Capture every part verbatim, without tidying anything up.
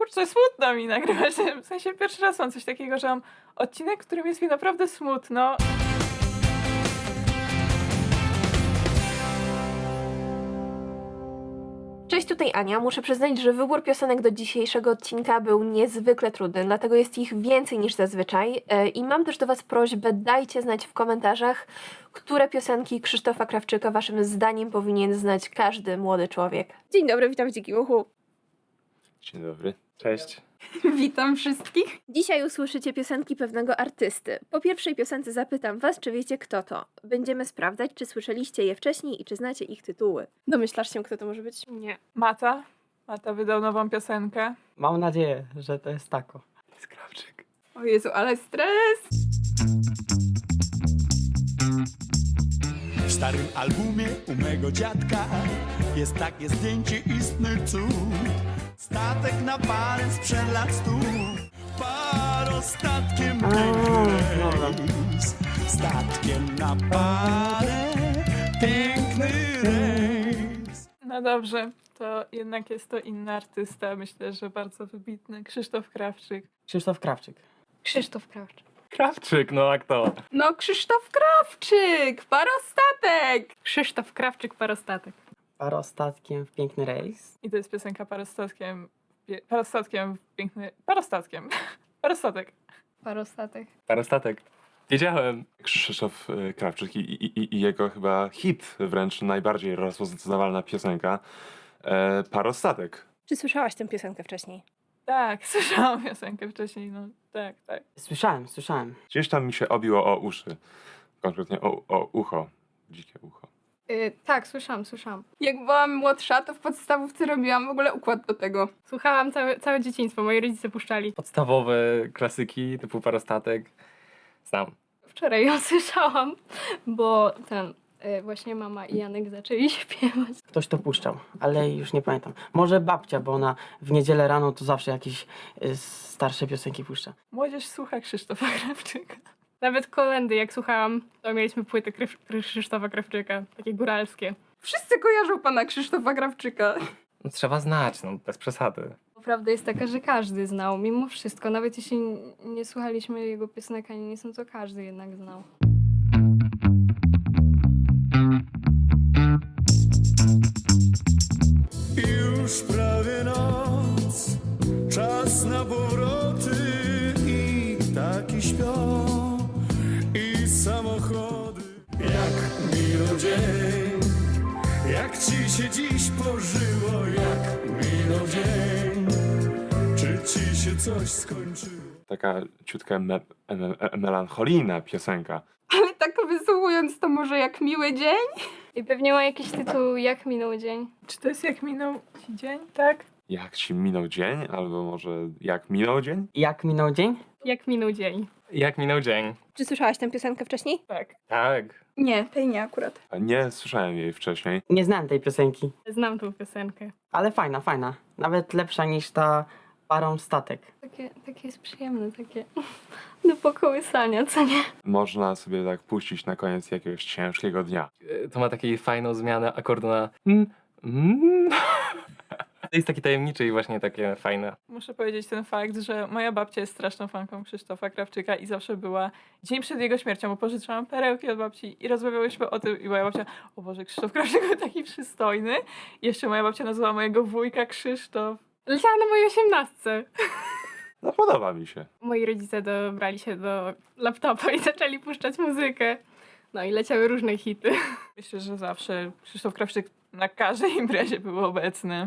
kurczę, smutno mi nagrywać. W sensie pierwszy raz mam coś takiego, że mam odcinek, w którym jest mi naprawdę smutno. Cześć, tutaj Ania. Muszę przyznać, że wybór piosenek do dzisiejszego odcinka był niezwykle trudny, dlatego jest ich więcej niż zazwyczaj. I mam też do Was prośbę, dajcie znać w komentarzach, które piosenki Krzysztofa Krawczyka Waszym zdaniem powinien znać każdy młody człowiek. Dzień dobry, witam w Dzikim Uchu. Dzień dobry. Cześć. Witam wszystkich. Dzisiaj usłyszycie piosenki pewnego artysty. Po pierwszej piosence zapytam Was, czy wiecie kto to. Będziemy sprawdzać, czy słyszeliście je wcześniej i czy znacie ich tytuły. Domyślasz się, kto to może być? Nie. Mata. Mata wydał nową piosenkę. Mam nadzieję, że to jest tako. Jest Krawczyk. O Jezu, ale stres! W starym albumie u mego dziadka jest takie zdjęcie, istny cud. Statek na parę sprzed lat stu, parostatkiem piękny rejs. Statkiem na parę, piękny rejs. No dobrze, to jednak jest to inny artysta. Myślę, że bardzo wybitny. Krzysztof Krawczyk. Krzysztof Krawczyk. Krzysztof Krawczyk. Krawczyk, no a kto? No Krzysztof Krawczyk! Parostatek! Krzysztof Krawczyk, parostatek. Parostatkiem w piękny rejs. I to jest piosenka parostatkiem. pie- Parostatkiem w piękny. Parostatkiem. Parostatek. Parostatek. Parastatek. Wiedziałem. Krzysztof e, Krawczyk i, i, i jego chyba hit, wręcz najbardziej rozpoznawalna piosenka. E, Parostatek. Czy słyszałaś tę piosenkę wcześniej? Tak, słyszałam piosenkę wcześniej. No tak, tak. Słyszałem, słyszałem. Gdzieś tam mi się obiło o uszy. Konkretnie o, o ucho. Dzikie ucho. Yy, tak, słyszałam, słyszałam. Jak byłam młodsza, to w podstawówce robiłam w ogóle układ do tego. Słuchałam całe, całe dzieciństwo, moi rodzice puszczali. Podstawowe klasyki typu Parostatek znam. Wczoraj ją słyszałam, bo ten, y, właśnie mama i Janek zaczęli śpiewać. Ktoś to puszczał, ale już nie pamiętam. Może babcia, bo ona w niedzielę rano to zawsze jakieś y, starsze piosenki puszcza. Młodzież słucha Krzysztofa Krawczyka. Nawet kolendy, jak słuchałam, to mieliśmy płyty Krysz- Krzysztofa Krawczyka, takie góralskie. Wszyscy kojarzą pana Krzysztofa Krawczyka. No, trzeba znać, no bez przesady. Prawda jest taka, że każdy znał, mimo wszystko, nawet jeśli nie słuchaliśmy jego piosenek ani nic, no to każdy jednak znał. Już prawie noc, czas na powroty i taki śpią i samochody. Jak minął dzień, jak ci się dziś pożyło, jak minął dzień, czy ci się coś skończyło? Taka ciutka me, me, melancholijna piosenka. Ale tak wysłuchując to może jak miły dzień? I pewnie ma jakiś tytuł Jak minął dzień. Czy to jest jak minął ci dzień? Tak? Jak ci minął dzień? Albo może jak minął dzień? Jak minął dzień? Jak minął dzień. Jak minął dzień? Czy słyszałaś tę piosenkę wcześniej? Tak. Tak. Nie, tej nie akurat. Nie słyszałem jej wcześniej. Nie znałem tej piosenki, Znam tą piosenkę. ale fajna, fajna. Nawet lepsza niż ta Parą statek. Takie, takie jest przyjemne, takie do pokołysania, co nie? Można sobie tak puścić na koniec jakiegoś ciężkiego dnia. E, To ma taką fajną zmianę akordu na mm, mm. To jest taki tajemniczy i właśnie takie fajne. Muszę powiedzieć ten fakt, że moja babcia jest straszną fanką Krzysztofa Krawczyka i zawsze była dzień przed jego śmiercią, bo pożyczyłam perełki od babci i rozmawiałyśmy o tym i moja babcia, o Boże, Krzysztof Krawczyk był taki przystojny. I jeszcze moja babcia nazwała mojego wujka Krzysztof. Leciałam na mojej osiemnastce. No podoba mi się. Moi rodzice dobrali się do laptopa i zaczęli puszczać muzykę. No i leciały różne hity. Myślę, że zawsze Krzysztof Krawczyk na każdej imprezie był obecny.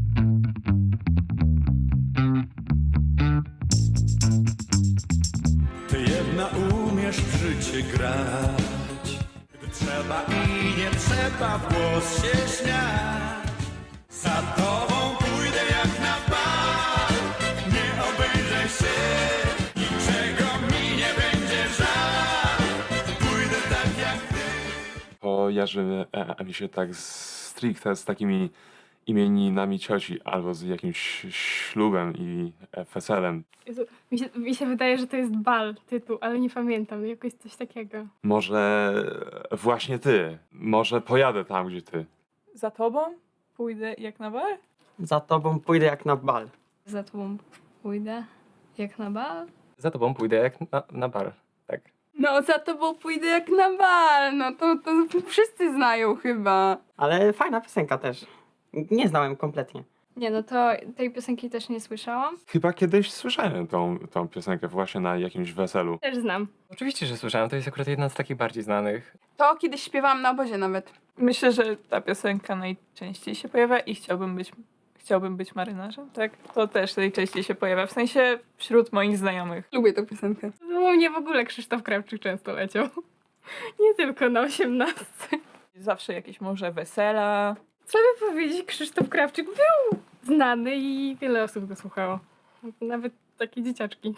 Ty jedna umiesz w życie grać, gdy trzeba i nie trzeba w głos się śmiać. Za tobą pójdę jak na bal, nie obejrzę się, niczego mi nie będzie żal. Pójdę tak jak ty. Kojarzy e, mi się tak stricte z takimi imieninami cioci albo z jakimś ślubem i weselem. Jezu, mi, się, mi się wydaje, że to jest bal tytuł, ale nie pamiętam, jakoś coś takiego. Może właśnie ty. Może pojadę tam, gdzie ty. Za tobą pójdę jak na bar? Za tobą pójdę jak na bal. Za tobą pójdę jak na bal. Za tobą pójdę jak na, na bar. Tak. No za tobą pójdę jak na bal, no to, to wszyscy znają chyba. Ale fajna piosenka też. Nie znałem kompletnie. Nie, no to tej piosenki też nie słyszałam. Chyba kiedyś słyszałem tą, tą piosenkę właśnie na jakimś weselu. Też znam. Oczywiście, że słyszałem. To jest akurat jedna z takich bardziej znanych. To kiedyś śpiewałam na obozie nawet. Myślę, że ta piosenka najczęściej się pojawia i chciałbym być, chciałbym być marynarzem, tak? To też najczęściej się pojawia, w sensie wśród moich znajomych. Lubię tę piosenkę. U mnie w ogóle Krzysztof Krawczyk często leciał. Nie tylko na osiemnastce. Zawsze jakieś może wesela. Co by powiedzieć, Krzysztof Krawczyk był znany i wiele osób go słuchało. Nawet takie dzieciaczki.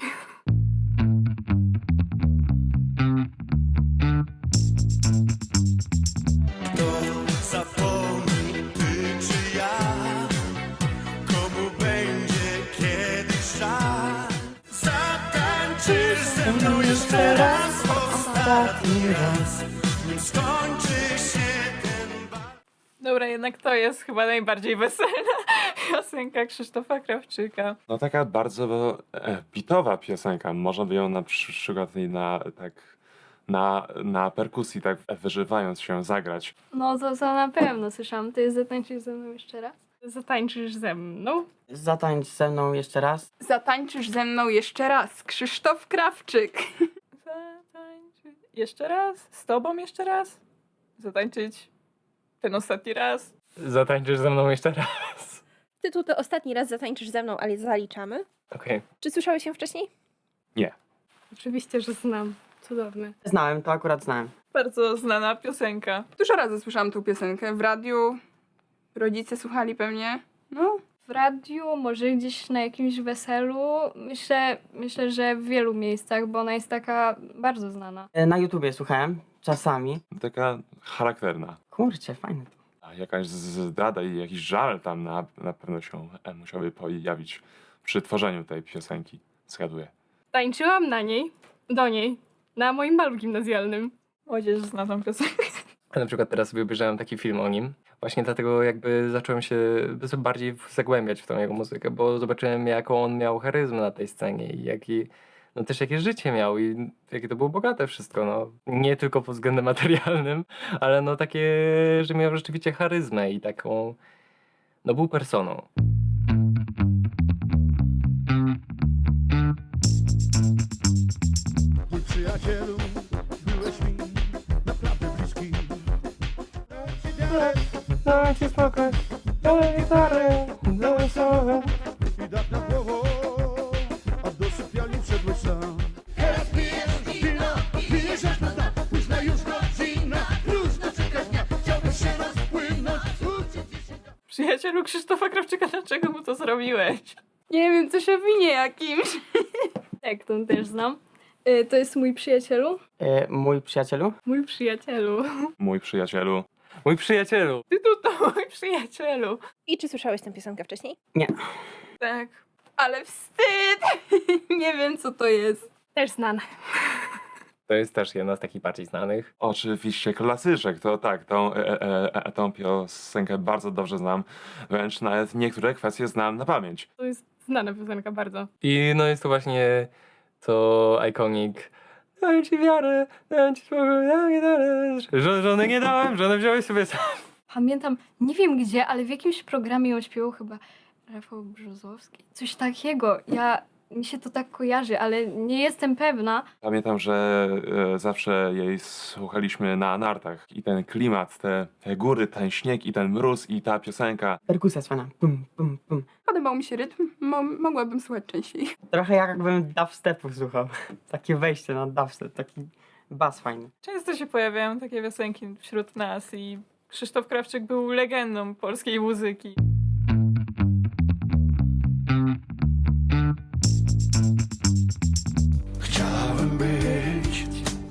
Kto zapomni, ty czy ja? Komu będzie kiedyś żal? Zatańczysz ze mną jeszcze raz, ostatni raz, nim skończy się ten bal. Dobra, jednak to jest chyba najbardziej weselna piosenka Krzysztofa Krawczyka. No taka bardzo e, bitowa piosenka. Można by ją na przy- przykład i na tak na, na perkusji tak wyżywając się zagrać. No to, to na pewno słyszałam. To jest Zatańczysz ze mną jeszcze raz? Zatańczysz ze mną? Zatańcz ze mną jeszcze raz. Zatańczysz ze mną jeszcze raz. Krzysztof Krawczyk. Zatańczyć jeszcze raz? Z tobą jeszcze raz? Zatańczyć ten ostatni raz? Zatańczysz ze mną jeszcze raz. Tytuł to Ostatni raz zatańczysz ze mną, ale zaliczamy. Okej. Czy słyszałeś się wcześniej? Oczywiście, że znam. Cudowne. Znałem, to akurat znałem. Bardzo znana piosenka. Dużo razy słyszałam tę piosenkę w radiu. Rodzice słuchali pewnie. No, W radiu, może gdzieś na jakimś weselu. Myślę, myślę, że w wielu miejscach, bo ona jest taka bardzo znana. E, Na YouTubie słuchałem, czasami. Taka charakterna. Kurczę, fajne to. A jakaś zdrada i jakiś żal tam na, na pewno się e, musiałby pojawić przy tworzeniu tej piosenki. Zgaduję. Tańczyłam na niej, do niej, na moim balu gimnazjalnym. Młodzież zna tą piosenkę. Ja na przykład teraz sobie obejrzałem taki film o nim. Właśnie dlatego jakby zacząłem się bardziej zagłębiać w tą jego muzykę, bo zobaczyłem jaką on miał charyzmę na tej scenie i jaki, no też jakie życie miał i jakie to było bogate wszystko, no. Nie tylko pod względem materialnym, ale no takie, że miał rzeczywiście charyzmę i taką, no był personą. Mój przyjacielu, byłeś mi naprawdę bliski. Daj ci spokój, daj gitarę, daj słowę. I dach nad głową, a do sypialni wszedłeś sam. Teraz pijesz wino, pijesz aż na dach. Późna już godzina, próżno czekasz dnia. Chciałbyś się rozpłynąć, uczyć się. Przyjacielu Krzysztofa Krawczyka, dlaczego mu to zrobiłeś? nie wiem, coś o winie jakimś. Tak, tą też znam. Y, To jest mój przyjacielu. E, Mój przyjacielu. Mój przyjacielu. Mój przyjacielu. Mój przyjacielu! Tytuł to mój przyjacielu. I czy słyszałeś tę piosenkę wcześniej? Nie. Tak. Ale wstyd! nie wiem, co to jest. Też znana. To jest też jedna z takich bardziej znanych. Oczywiście klasyczek, to tak, tą, e, e, e, tą piosenkę bardzo dobrze znam, wręcz nawet niektóre kwestie znam na pamięć. To jest znana piosenka bardzo. I no jest to właśnie to iconic. Dałem ci wiarę, dałem ci spokój, dałem gitarę. Żo- Żony nie dałem, żonę wziąłeś sobie sam. Pamiętam, nie wiem gdzie, ale w jakimś programie ją śpiewał chyba Rafał Brzozowski. Coś takiego. Ja, mi się to tak kojarzy, ale nie jestem pewna. Pamiętam, że e, zawsze jej słuchaliśmy na nartach i ten klimat, te, te góry, ten śnieg i ten mróz i ta piosenka. Perkusja jest fajna. Pum, pum, pum. Podobał mi się rytm, Mo- mogłabym słuchać częściej. Trochę jakbym dubstepu słuchał. Takie wejście na dubstep, taki bas fajny. Często się pojawiają takie piosenki wśród nas i Krzysztof Krawczyk był legendą polskiej muzyki. Chciałem być,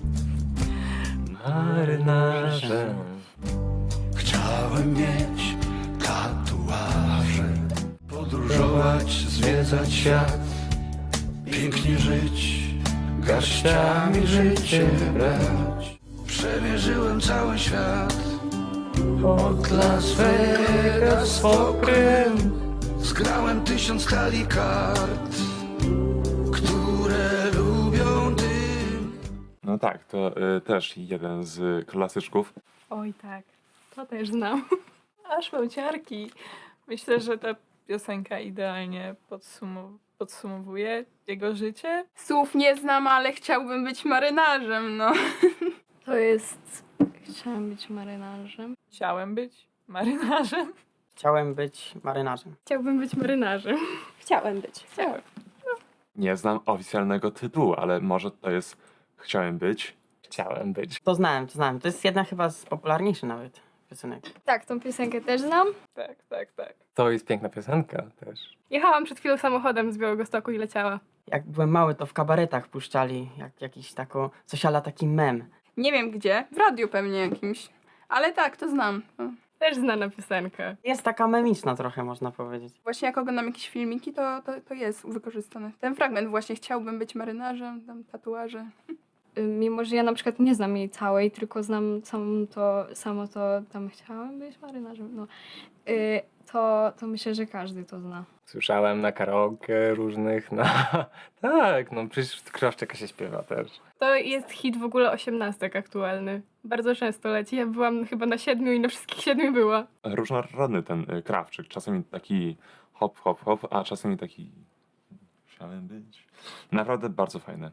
Marynarzem. chciałem mieć tatuaże. Podróżować, zwiedzać świat, pięknie żyć, garściami życie brać. Przemierzyłem cały świat, od Las Vegas po Krym, z Grałem tysiąc talii kart, które lubią dym. No tak, to y, też jeden z klasyczków. Oj tak, To też znam. aż mam ciarki. Myślę, że ta piosenka idealnie podsumow- podsumowuje jego życie. Słów nie znam, ale chciałbym być marynarzem, no. To jest... Chciałam być marynarzem. Chciałem być marynarzem. Chciałem być marynarzem. Chciałbym być marynarzem. Chciałem być. Chciałem. Nie znam oficjalnego tytułu, ale może to jest Chciałem być. Chciałem być. To znałem, to znałem. To jest jedna chyba z popularniejszych nawet piosenek. Tak, tą piosenkę też znam. Tak, tak, tak. To jest piękna piosenka też. Jechałam przed chwilą samochodem z Białegostoku i leciała. Jak byłem mały, to w kabaretach puszczali jak jakiś tako, coś ala taki mem. Nie wiem gdzie, w radiu pewnie jakimś. Ale tak, to znam. No. Też znana piosenka. Jest taka memiczna trochę, można powiedzieć. Właśnie jak oglądam jakieś filmiki, to, to, to jest wykorzystane. Ten fragment właśnie, chciałbym być marynarzem, tam tatuaże. Y, Mimo, że ja na przykład nie znam jej całej, tylko znam samą to, samo to, tam chciałam być marynarzem, no. Y, to, to myślę, że każdy to zna. Słyszałem na karaoke różnych, no tak, no przecież Krawczyka się śpiewa też. To jest hit w ogóle osiemnastek aktualny. Bardzo często leci. Ja byłam chyba na siedmiu i na wszystkich siedmiu była. Różnorodny ten y, Krawczyk. Czasami taki hop, hop, hop, a czasami taki Chciałem być. Naprawdę bardzo fajne.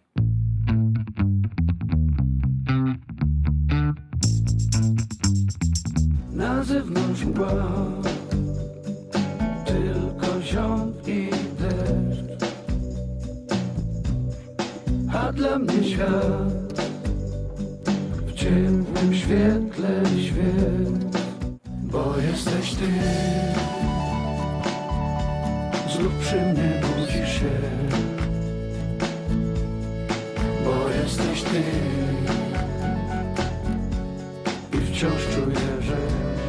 Na zewnątrz mgła, tylko ziąb i deszcz. A dla mnie świat w ciemnym świetle świt, bo jesteś ty. Znów przy mnie budzisz się, bo jesteś ty. I wciąż czuję, że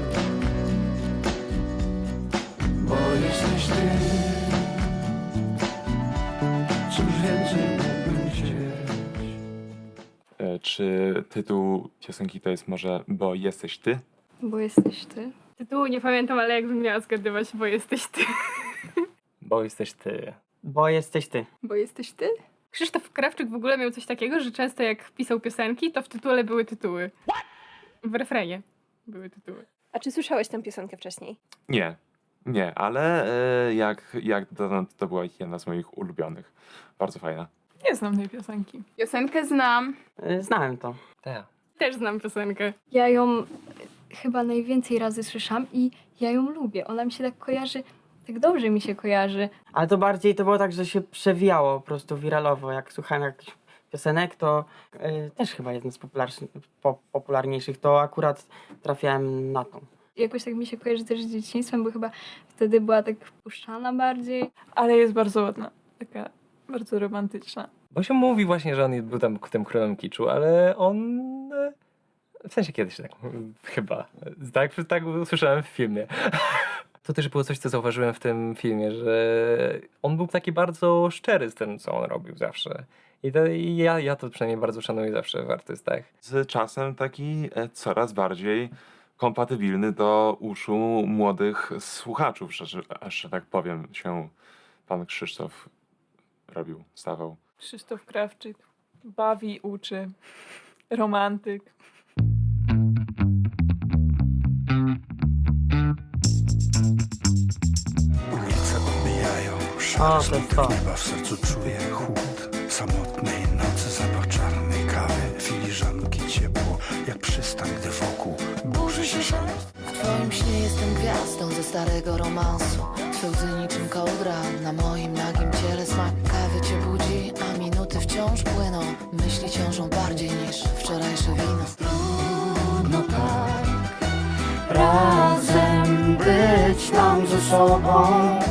bo jesteś ty. Cóż więcej mógłbym chcieć? E, Czy tytuł piosenki to jest może Bo jesteś ty? Bo jesteś ty. Tytułu nie pamiętam, ale jakbym miała zgadywać, bo jesteś ty. Bo jesteś ty. Bo jesteś ty. Bo jesteś ty? Krzysztof Krawczyk w ogóle miał coś takiego, że często jak pisał piosenki, to w tytule były tytuły. W refrenie były tytuły. A czy słyszałeś tę piosenkę wcześniej? Nie, nie, ale e, jak, jak dotąd to była jedna z moich ulubionych. Bardzo fajna. Nie znam tej piosenki. Piosenkę znam. Y, Znałem to. Tak. Też znam piosenkę. Ja ją chyba najwięcej razy słyszałam i ja ją lubię. Ona mi się tak kojarzy, tak dobrze mi się kojarzy. Ale to bardziej to było tak, że się przewijało po prostu wiralowo. Jak słuchałem jakichś piosenek, to y, też chyba jeden z popularszy- po, popularniejszych, to akurat trafiałem na tą. Jakoś tak mi się kojarzy też z dzieciństwem, bo chyba wtedy była tak puszczana bardziej. Ale jest bardzo ładna. Taka bardzo romantyczna. Bo się mówi właśnie, że on był tam tym królem kiczu, ale on... e, W sensie kiedyś tak, chyba. Tak, tak usłyszałem w filmie. To też było coś, co zauważyłem w tym filmie, że on był taki bardzo szczery z tym, co on robił zawsze. I, to, i ja, ja to przynajmniej bardzo szanuję zawsze w artystach. Z czasem taki e, coraz bardziej kompatybilny do uszu młodych słuchaczów, że, że, że tak powiem, się pan Krzysztof robił, stawał. Krzysztof Krawczyk bawi, uczy. Romantyk. Ulice odbijają O, szary to jest smutek to. nieba, w sercu czuję chłód samotnej nocy, zapach czarnej kawy, filiżanki ciepło, jak przystań, gdy wokół burzy się szaleństwo. W twoim śnie jestem gwiazdą ze starego romansu. Twe łzy niczym kołdra na moim nagim ciele. Smak kawy cię budzi, a minuty wciąż płyną. Myśli ciążą bardziej niż wczorajsze wino. Trudno tak Razem być nam ze sobą.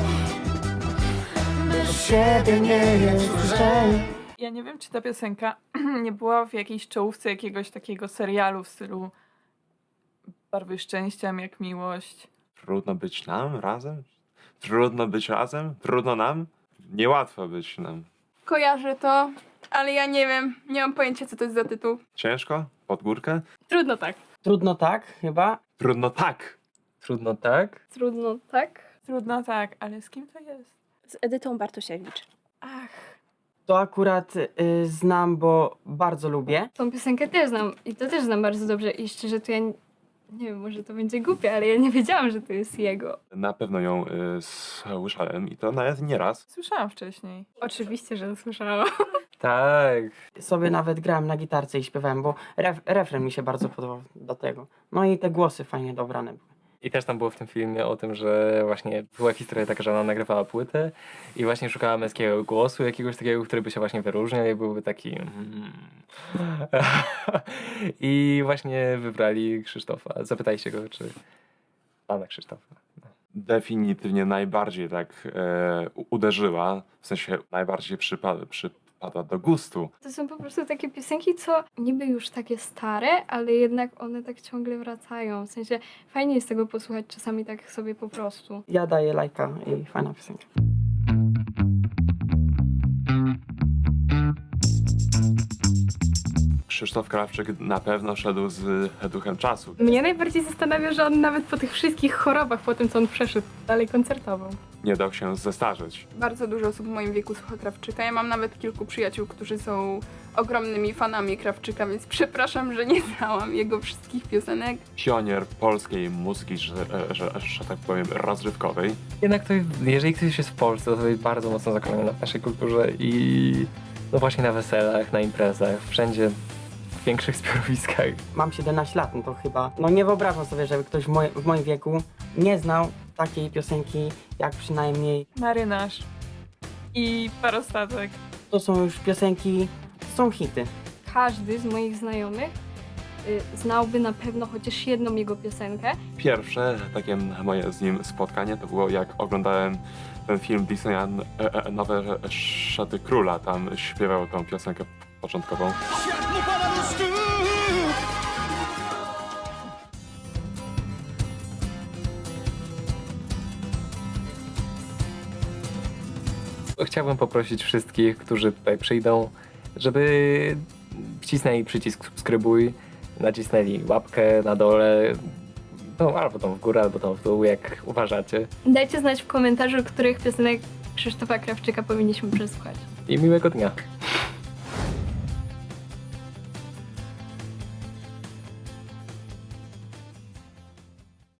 Bez siebie nie jest lżej. Ja nie wiem, czy ta piosenka nie była w jakiejś czołówce jakiegoś takiego serialu w stylu Barwy szczęścia, jak miłość. Trudno być nam razem? Trudno być razem? Trudno nam? Niełatwo być nam. Kojarzę to, ale ja nie wiem. Nie mam pojęcia, co to jest za tytuł. Ciężko? Pod górkę? Trudno tak. Trudno tak, chyba. Trudno tak! Trudno tak? Trudno tak. Trudno tak, ale z kim to jest? Z Edytą Bartosiewicz. Ach, To akurat y, znam, bo bardzo lubię. Tą piosenkę też znam i to też znam bardzo dobrze i szczerze to ja nie, nie wiem, może to będzie głupie, ale ja nie wiedziałam, że to jest jego. Na pewno ją y, słyszałem i to nawet nie raz. słyszałam wcześniej. Oczywiście, że słyszałam. Tak. Sobie nawet grałem na gitarce i śpiewałem, bo ref, refren mi się bardzo podobał do tego. No i te głosy fajnie dobrane były. I też tam było w tym filmie o tym, że właśnie była historia taka, że ona nagrywała płytę i właśnie szukała męskiego głosu, jakiegoś takiego, który by się właśnie wyróżniał i byłby taki... mm. I właśnie wybrali Krzysztofa. Zapytajcie go, czy... Pana Krzysztofa. Definitywnie najbardziej tak e, u- uderzyła, w sensie najbardziej przypada, przypada do gustu. To są po prostu takie piosenki, co niby już takie stare, ale jednak one tak ciągle wracają. W sensie fajnie jest tego posłuchać czasami tak sobie po prostu. Ja daję lajka i fajna piosenka. Krzysztof Krawczyk na pewno szedł z duchem czasu. Mnie najbardziej zastanawia, że on nawet po tych wszystkich chorobach, po tym co on przeszedł, dalej koncertował. Nie dał się zestarzeć. Bardzo dużo osób w moim wieku słucha Krawczyka. Ja mam nawet kilku przyjaciół, którzy są ogromnymi fanami Krawczyka, więc przepraszam, że nie znałam jego wszystkich piosenek. Pionier polskiej muzyki, że, że, że tak powiem, rozrywkowej. Jednak to, jeżeli ktoś jest w Polsce, to jest bardzo mocno zakorzeniony w naszej kulturze i no właśnie na weselach, na imprezach, wszędzie w większych zbiorowiskach. Mam siedemnaście lat, no to chyba... No nie wyobrażam sobie, żeby ktoś w, moj, w moim wieku nie znał takiej piosenki, jak przynajmniej... Marynarz i Parostatek. To są już piosenki, są hity. Każdy z moich znajomych y, znałby na pewno chociaż jedną jego piosenkę. Pierwsze takie moje z nim spotkanie to było, jak oglądałem ten film Disneya e, e, Nowe Szaty Króla. Tam śpiewał tą piosenkę początkową. Świat mu pada do stóp. Chciałbym poprosić wszystkich, którzy tutaj przyjdą, żeby wcisnęli przycisk subskrybuj, nacisnęli łapkę na dole, no albo tam w górę, albo tam w dół, jak uważacie. Dajcie znać w komentarzu, których piosenek Krzysztofa Krawczyka powinniśmy przesłuchać. I miłego dnia.